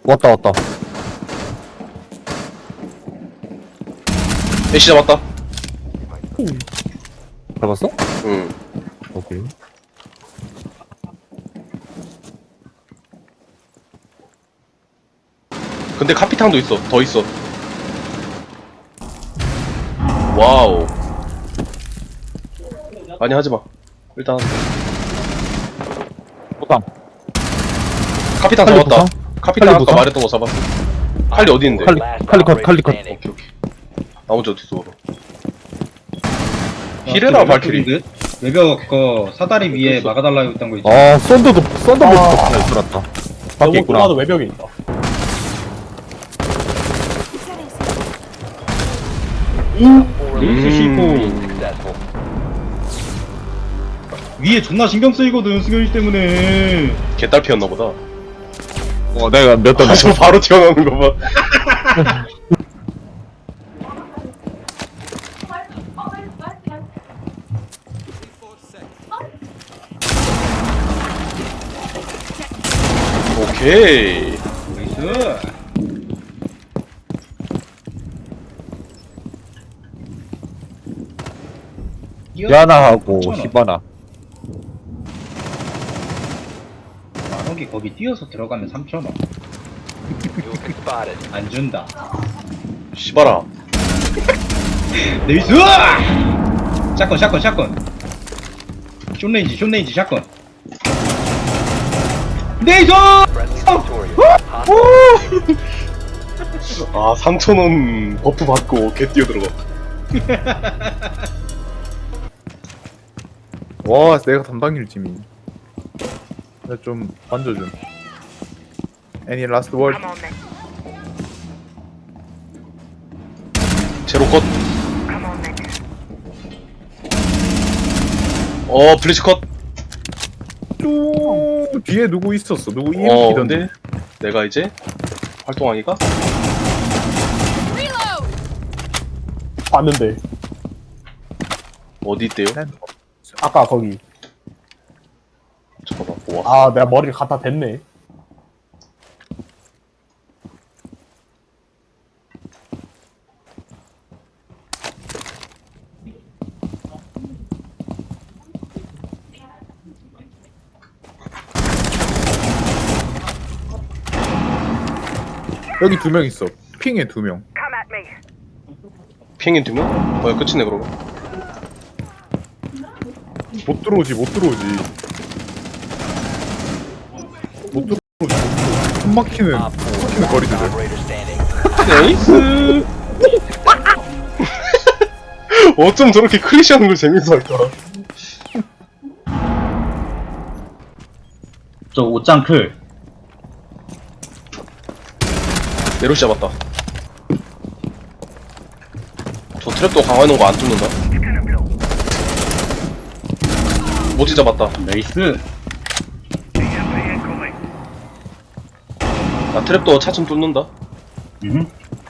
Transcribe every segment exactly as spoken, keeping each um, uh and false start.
왔다 왔다. 애쉬 잡았다. 잡았어? 응. 오케이. 근데 카피탕도 있어. 더 있어. 와우. 아니 하지마. 일단 보상. 카피탕 칼리 잡았다. 보상? 카피탕 칼리 아까 보상? 말했던 거 잡았어. 칼리 어디 있는데? 칼리 칼리 컷 칼리 컷. 오케이 오케이. 나머지 어디서 먹어? 히레라 발키리. 외벽 그 사다리 위에 막아달라고 했던 거 있죠. 아 썬더도 썬더볼트도 하나 있어놨다. 밖에 있구나. 나도 외벽에 있다. 링스 씹고 위에 존나 신경 쓰이거든 승현이 때문에. 개딸 피었나 보다. 어 내가 몇대 아, 저 바로 튀어나오는 거 봐. 오케이. 나이스. 야나하고 히바나. 만원기 거기 뛰어서 들어가면 삼천 원. 안 준다. 씨발아. 나이스! 샷건 샷건 샷건. 숏레인지 숏레인지 샷건. 나이스! 아 삼천 원 버프 받고 개 뛰어 들어가. 와 내가 담당일 팀이. 내가 좀 만져줌. Any last word? 제로 컷. 어 블리츠 컷. 쭉 뒤에 누구 있었어? 누구 어 이엠피던데? 근데 내가 이제 활동하니까 봤는데. 어디 있대요? 아까 거기. 잠깐만 모아. 아, 내가 머리를 갖다 댔네. 여기 두 명 있어. 핑에 두 명. 핑인 두 명? 뭐야 끝이네 그러면. 못 들어오지 못 들어오지. 못 들어오지. 못 들어오지. 숨 막히는 숨 막히는 거리들. 나이스. 어쩜 저렇게 크리시하는 걸 재밌어 할까? 저 옷장 클. 네로시 잡았다. 저 트랩도 강화해놓은 거 안 뚫는다. 모지 잡았다. 나이스. 나 트랩도 차츰 뚫는다. 음.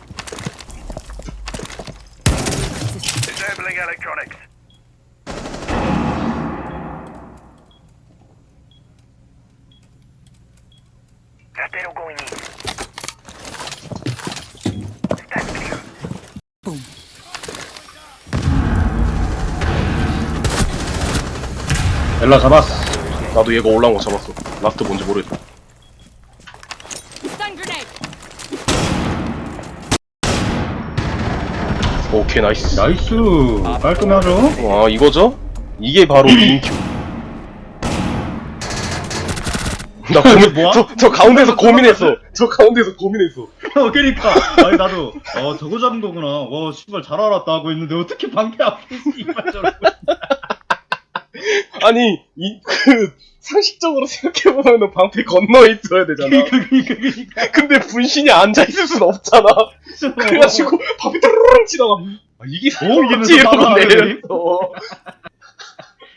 엘라 잡았어. 나도 얘가 올라온 거 잡았어. 라스트 뭔지 모르겠다. Stun grenade. 오케이 나이스. 나이스. 깔끔하죠? 와 이거죠? 이게 바로 인큐. 나 고민, 뭐야? 저, 저 가운데서 고민했어. 저 가운데서 고민했어. 어, 그니까. 아니, 나도, 어, 저거 잡은 거구나. 와, 씨발, 잘 알았다 하고 있는데, 어떻게 방패 앞에 씨발 저러고. 아니, 이, 그, 상식적으로 생각해보면 방패 건너에 있어야 되잖아. 그니까, 그니까, 그니까. 근데 분신이 앉아있을 순 없잖아. 그래가지고 방패 따르릉 치다가, 아, 이게 오, 이게 뭐지? 이러고 무슨 내렸어.